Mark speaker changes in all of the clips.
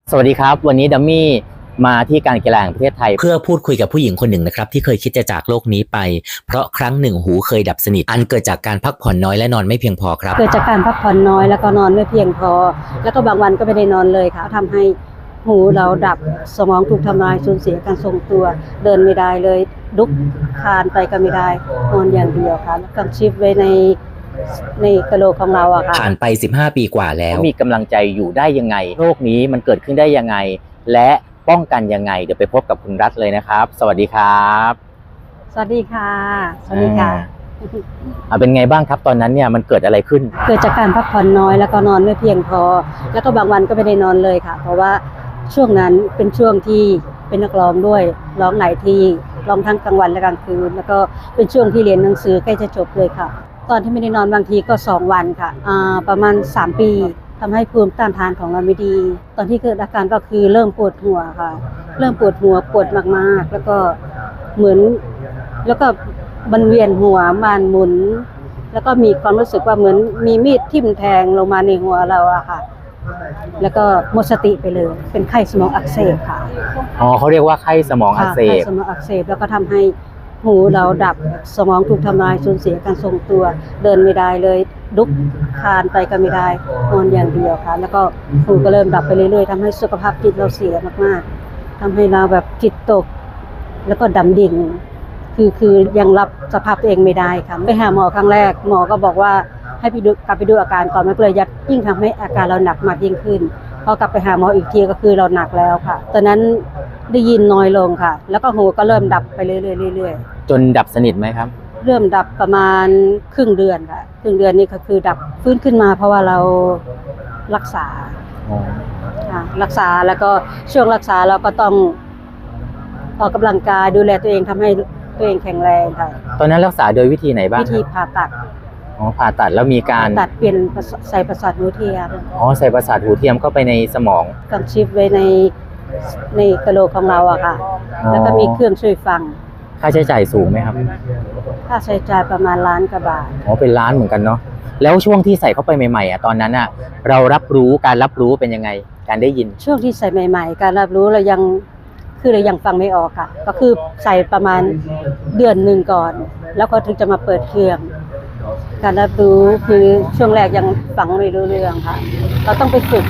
Speaker 1: สวัสดีครับวันนี้ดัมมี่มาที่การกีฬาแห่งประเทศไทยเพื่อพูดคุยกับผู้หญิงคนหนึ่งนะครับที่เคยคิดจะจากโลกนี้ไปเพราะครั้งหนึ่งหูเคยดับสนิทอันเกิดจากการพักผ่อนน้อยและนอนไม่เพียงพอครับ
Speaker 2: เกิดจากการพักผ่อนน้อยแล้วก็นอนไม่เพียงพอแล้วก็บางวันก็ไม่ได้นอนเลยค่ะทำให้หูเราดับสมองถูกทำลายสูญเสียการทรงตัวเดินไม่ได้เลยลุกคลานไปก็ไม่ได้นอนอย่างเดียวค่ะกังชิปไว้ในกะโหลกของเราอะค่ะ
Speaker 1: ผ่านไป15 ปีกว่าแล้วมีกำลังใจอยู่ได้ยังไงโรคนี้มันเกิดขึ้นได้ยังไงและป้องกันยังไงเดี๋ยวไปพบกับคุณรัฐเลยนะครับสวัสดีครับ
Speaker 2: สวัสดีค่ะสวัสดีค่ะ
Speaker 1: เป็นไงบ้างครับตอนนั้นเนี่ยมันเกิดอะไรขึ้น
Speaker 2: เกิดจากการพักผ่อนน้อยแล้วก็นอนไม่เพียงพอแล้วก็บางวันก็ไม่ได้นอนเลยค่ะเพราะว่าช่วงนั้นเป็นช่วงที่เป็นนักร้องด้วยร้องหลายที่ร้องทั้งกลางวันและกลางคืนแล้วก็เป็นช่วงที่เรียนหนังสือใกล้จะจบเลยค่ะตอนที่ไม่ได้นอนบางทีก็2 วันค่ะประมาณ3 ปีทำให้ภูมิต้านทานของเราไม่ดีตอนที่เกิดอาการก็คือเริ่มปวดหัวค่ะเริ่มปวดหัวปวดมากๆแล้วก็เหมือนแล้วก็มันเวียนหัวมันหมุนแล้วก็มีความรู้สึกว่าเหมือนมีมีดทิ่มแทงลงมาในหัวเราอะค่ะแล้วก็หมดสติไปเลยเป็นไข้สมองอักเสบค่ะ
Speaker 1: เขาเรียกว่าไข้สมองอักเสบ
Speaker 2: ไข้สมองอักเสบแล้วก็ทำให้หูเราดับสมองถูกทำลายสูญเสียการทรงตัวเดินไม่ได้เลยลุกคลานไปก็ไม่ได้นอนอย่างเดียวค่ะแล้วก็หูก็เริ่มดับไปเรื่อยๆทำให้สุขภาพจิตเราเสียมากๆทำให้เราแบบจิตตกแล้วก็ดำดิ่งคือยังรับสภาพตัวเองไม่ได้ค่ะไปหาหมอครั้งแรกหมอก็บอกว่าให้กลับไปดูอาการก่อนมันก็เลยยิ่งทำให้อาการเราหนักมากยิ่งขึ้นพอกลับไปหาหมออีกทีก็คือเราหนักแล้วค่ะตอนนั้นได้ยินน้อยลงค่ะแล้วก็หูก็เริ่มดับไปเรื่อย
Speaker 1: ๆจนดับสนิทไหมครับ
Speaker 2: เริ่มดับประมาณครึ่งเดือนค่ะครึ่งเดือนนี่ก็คือดับฟื้นขึ้นมาเพราะว่าเรารักษารักษาแล้วก็ช่วงรักษาเราก็ต้องออกกำลังกายดูแลตัวเองทำให้ตัวเองแข็งแรงค่ะ
Speaker 1: ตอนนั้นรักษาโดยวิธีไหนบ้าง
Speaker 2: วิธีผ่าตัด
Speaker 1: ผ่าตัดแล้วมีการ
Speaker 2: ตัดเปลี่ยนใส่ประสาทหูเทียม
Speaker 1: ใส่ประสาทหูเทียมเข้าไปในสมอง
Speaker 2: กังชิปไว้ในกะโหลกของเราอะค่ะแล้วก็มีเครื่องช่วยฟัง
Speaker 1: ค่าใช้จ่ายสูงไหมครับ
Speaker 2: ค่าใช้จ่ายประมาณ1 ล้านกว่าบาท
Speaker 1: เป็นล้านเหมือนกันเนาะแล้วช่วงที่ใส่เข้าไปใหม่ๆตอนนั้นเรารับรู้เป็นยังไงการได้ยิน
Speaker 2: ช่วงที่ใส่ใหม่ๆการรับรู้เรายังฟังไม่ออกค่ะก็คือใส่ประมาณเดือนหนึ่งก่อนแล้วก็ถึงจะมาเปิดเครื่องการรับรู้คือช่วงแรกยังฟังไม่รู้เรื่องค่ะเราต้องไปฝึก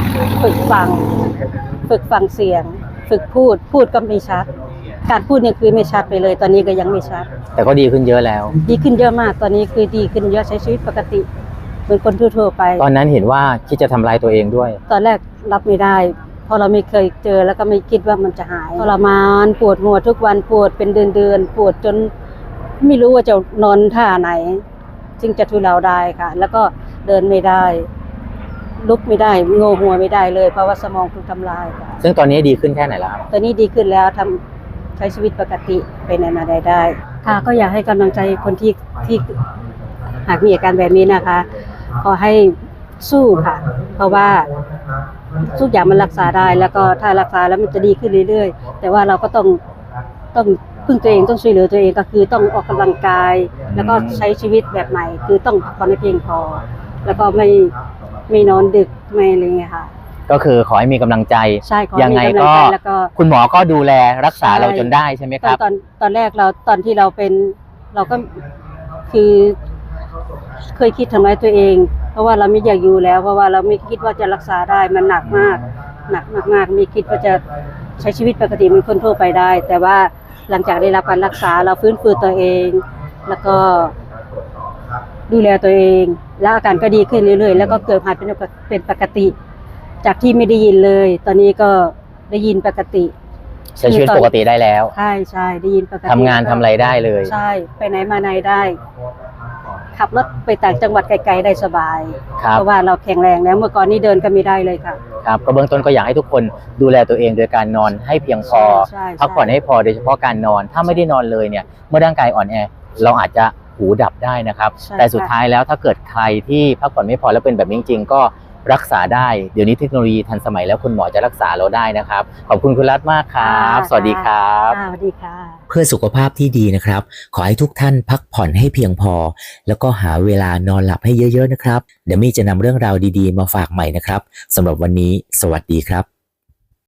Speaker 2: ฟังเสียงฝึกพูดก็ไม่ชัดการพูดเนี่ยคือไม่ชัดไปเลยตอนนี้ก็ยังไม่ชัด
Speaker 1: แต่ก็ดีขึ้นเยอะแล้ว
Speaker 2: ดีขึ้นเยอะมากตอนนี้คือดีขึ้นเยอะใช้ชีวิตปกติเหมือนคนทั่วๆไป
Speaker 1: ตอนนั้นเห็นว่าคิดจะทำลายตัวเองด้วย
Speaker 2: ตอนแรกรับไม่ได้เพราะเราไม่เคยเจอแล้วก็ไม่คิดว่ามันจะหายทรมานปวดหัวทุกวันปวดเป็นเดือนปวดจนไม่รู้ว่าจะนอนท่าไหนจึงจะทุเลาได้ค่ะแล้วก็เดินไม่ได้ลุกไม่ได้โงหัวไม่ได้เลยเพราะว่าสมองถูกทำลายค่ะ
Speaker 1: ซึ่งตอนนี้ดีขึ้นแค่ไหนแล้วครับ
Speaker 2: ตอนนี้ดีขึ้นแล้วใช้ชีวิตปกติไปไหนมาได้ค่ะก็อยากให้กำลังใจคนที่หากมีอาการแบบนี้นะคะขอให้สู้ค่ะเพราะว่าทุกอย่างมันรักษาได้แล้วก็ถ้ารักษาแล้วมันจะดีขึ้นเรื่อยๆแต่ว่าเราก็ต้องพึ่งตัวเองต้องช่วยเหลือตัวเองก็คือต้องออกกำลังกายแล้วก็ใช้ชีวิตแบบใหม่คือต้องพักผ่อนให้เพียงพอแล้วก็ไม่นอนดึกไม่อะไรเงี้ยค่ะ
Speaker 1: ก็คือขอให้มีกำลังใจยังไงก็คุณหมอก็ดูแลรักษาเราจนได้ใช่ไหมครับ
Speaker 2: ตอนแรกตอนที่เราเป็นเราก็คือเคยคิดทำร้ายตัวเองเพราะว่าเราไม่อยากอยู่แล้วเพราะว่าเราไม่คิดว่าจะรักษาได้มันหนักมากไม่คิดว่าจะใช้ชีวิตปกติเหมือนคนทั่วไปได้แต่ว่าหลังจากได้รับการรักษาเราฟื้นฟูตัวเองแล้วก็ดูแลตัวเองแล้วอาการก็ดีขึ้นเรื่อยๆแล้วก็เกิดหายเป็นปกติจากที่ไม่ได้ยินเลยตอนนี้ก็ได้ยินปกติ
Speaker 1: ใช้ชีวิตปกติได้แล้ว
Speaker 2: ใช่ได้ยินปกติ
Speaker 1: ทำงานทำอะไรได้เลย
Speaker 2: ใช่ไปไหนมาไหนได้ขับรถไปต่างจังหวัดไกลๆได้สบายเพราะว่าเราแข็งแรงแล้วเมื่อก่อนนี้เดินก็ไม่ได้เลยค่ะ
Speaker 1: ครับก็เบื้องต้นก็อยากให้ทุกคนดูแลตัวเองโดยการนอนให้เพียงพอพักผ่อนให้พอโดยเฉพาะการนอนถ้าไม่ได้นอนเลยเนี่ยเมื่อร่างกายอ่อนแอเราอาจจะหูดับได้นะครับแต่สุดท้ายแล้วถ้าเกิดใครที่พักผ่อนไม่พอแล้วเป็นแบบนี้จริงๆก็รักษาได้เดี๋ยวนี้เทคโนโลยีทันสมัยแล้วคุณหมอจะรักษาเราได้นะครับขอบคุณคุณรัตน์มากครับสวัสดีครับ
Speaker 2: สวัสดีค่ะ
Speaker 1: เพื่อสุขภาพที่ดีนะครับขอให้ทุกท่านพักผ่อนให้เพียงพอแล้วก็หาเวลานอนหลับให้เยอะๆนะครับเดี๋ยวมี่จะนำเรื่องราวดีๆมาฝากใหม่นะครับสำหรับวันนี้สวัสดีครับ